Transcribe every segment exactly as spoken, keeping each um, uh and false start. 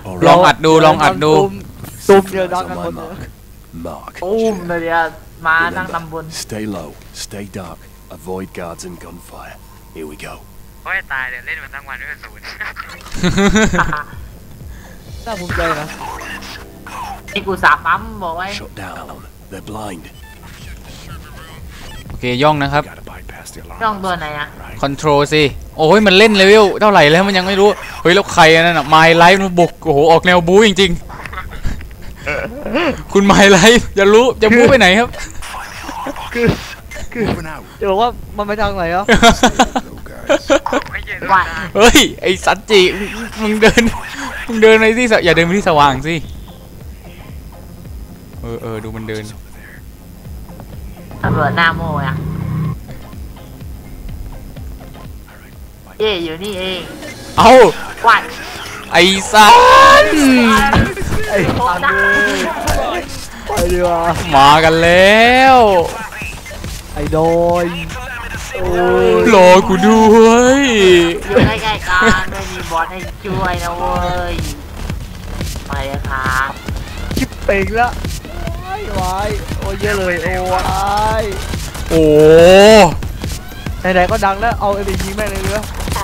ลองอัดดูลองอัดดูตุ้มเดียวดังกันหมดเลยตุ้มเลยอะมานั่งตำบล Stay low, stay dark, avoid guards and gunfire. Here we go. โอ้ยตายเดี๋ยวเล่นมันทั้งวันด้วยศูนย์น่าภูมิใจนะนี่กูสาปั๊มบอกไว้ Shut down. They're blind. โอเคย่องนะครับ Gotta bypass the alarm. ช่องตัวไหนอะคอนโทรลสิโอ้ยมันเล่นเลเวลเท่าไหร่แล้วมันยังไม่รู้เฮ้ยแล้วใครนั่นน่ะไมล์ไลฟ์มันบุกโอ้โหออกแนวบู๊จริงๆคุณไมล์ไลฟ์จะรู้จะบู๊ไปไหนครับคือคือจะบอกว่ามันไปทางไหนอ่ะว่าเฮ้ยไอสัตจิมึงเดินมึงเดินไปที่อย่าเดินไปที่สว่างสิเออเออดูมันเดินตำรวจหน้าโม่อะเย่อยู่นี่เองเอาว่าไอสันไอ้สันเลยไปดีกว่ามากันแล้วไอ้ดอยโอ้ยรอกูด้วยอยู่ใกล้ๆกันไม่มีบอสให้ช่วยนะเว้ยไปเลยครับชิปเป่งละวายวายโอ้ยเยอะเลยโอ้วายโอ้ไหนๆก็ดังแล้วเอาไอ้ดิยิงแม่งเลยเนื้อ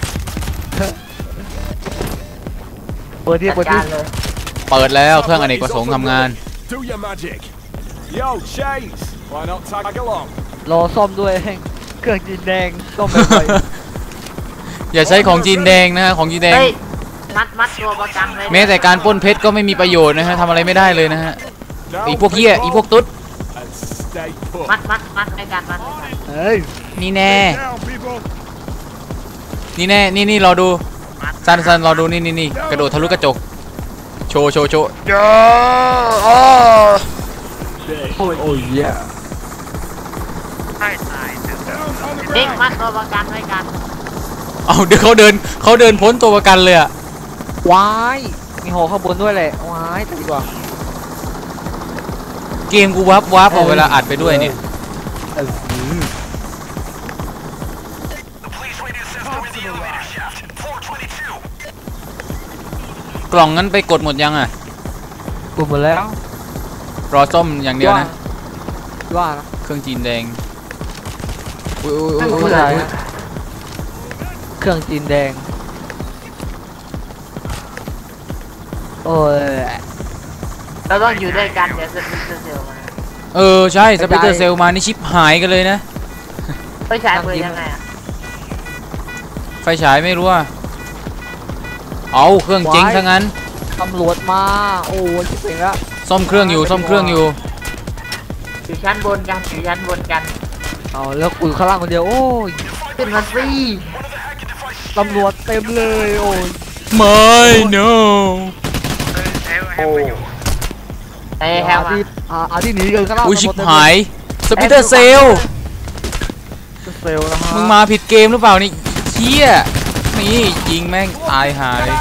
เปิดที่เปิดที่เปิดแล้วเครื่องอเนกประสงค์ทำงานรอซ่อมด้วยเครื่องจีนแดงซ่อมไปอย่าใช้ของจีนแดงนะฮะของจีนแดงมัดมัดตัวประกันเลยแม้แต่การปล้นเพชรก็ไม่มีประโยชน์นะฮะทำอะไรไม่ได้เลยนะฮะอีพวกเหี้ยอีพวกตุ๊ดมัดมัดมัดในการมัดเฮ้ยนี่แน่นี่แน่นี่นี่รอดูซันซันรอดูนี่นี่นี่กระโดดทะลุกระจกโชว์โชว์โชว์โอ้ยโอ้ยเหี้ยเด็กมัดตัวประกันไว้กันเอาเดี๋ยวเขาเดินเขาเดินพ้นตัวประกันเลยอะว้ายมีหอข้างบนด้วยแหละว้ายดีกว่าเกมกูวับวับเอาเวลาอัดไปด้วยเนี่ยกล่องนั้นไปกดหมดยังอ่ะกดหมดแล้วรอส้มอย่างเดียวนะว่าเครื่องจีนแดงเครื่องจีนแดงโอ้ยเราต้องอยู่ด้วยกันเดี๋ยวสปิเตอร์เซลมาเออใช่สปิเตอร์เซลมานี่ชิปหายกันเลยนะไฟฉายเปิดยังไงอะไฟฉายไม่รู้อ่ะเอาเครื่องเจ๊งทั้งนั้นตำรวจมาโอ้ยชิบเป่งละซ่อมเครื่องอยู่ซ่อมเครื่องอยู่อยู่ชั้นบนกันอยู่ชั้นบนกันเอาแล้วกูข้างล่างคนเดียวโอ้ยขึ้นมาสิตำรวจเต็มเลยโอ้ยไม่ no โอ้เอ้ยแฮมที่อาที่หนีกันข้างล่างอุ้ยชิบหายสปิเตอร์เซลเซลนะฮะมึงมาผิดเกมหรือเปล่านี่เชี่ยนี่ยิงแม่งตายหาย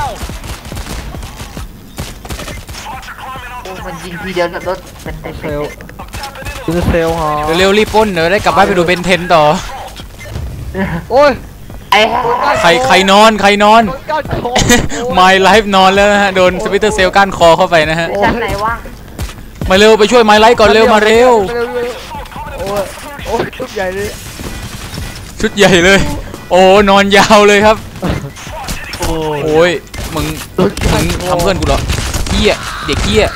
โอ้มันยิงทีเดียวกับรถเป็นเซลเป็นเซลฮะเร็วรีบป้นเดี๋ยวได้กลับบ้านไปดูเบนเทนต่อโอ้ยไอ้ใครใครนอนใครนอนไมล์ไลฟ์นอนแล้วนะฮะโดนสปิเตอร์เซลก้านคอเข้าไปนะฮะชั้นไหนวะมาเร็วไปช่วยไมล์ไลฟ์ก่อนเร็วมาเร็วโอ้ยโอ้ยชุดใหญ่เลยชุดใหญ่เลยโอ้นอนยาวเลยครับโอ้ยมึงมึงทำเพื่อนกูเหรอเกี้ยเด็กเกี้ย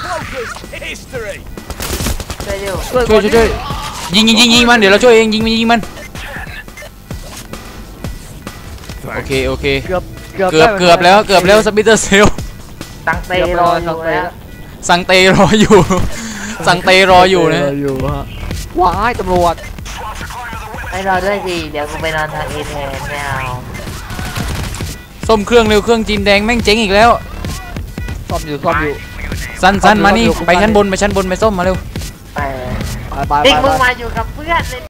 ช่วยช่วยช่วยยิงยิงยิงยิงมันเดี๋ยวเราช่วยเองยิงมันยิงมันโอเคโอเคเกือบเกือบเกือบแล้วเกือบแล้วสปิเตอร์เซลสังเตรออยู่แล้วสังเตรออยู่สังเตรออยู่นะว้ายตำรวจไปรอด้วยสิเดี๋ยวกูไปนอนทางเอแทนไม่เอาส้มเครื่องเร็วเครื่องจีนแดงแม่งเจ๊งอีกแล้วซ่อมอยู่ซ่อมอยู่สั้นสั้นมานี่ไปชั้นบนไปชั้นบนไปส้มมาเร็วไปไปไปมึงมาอยู่กับเพื่อนเลย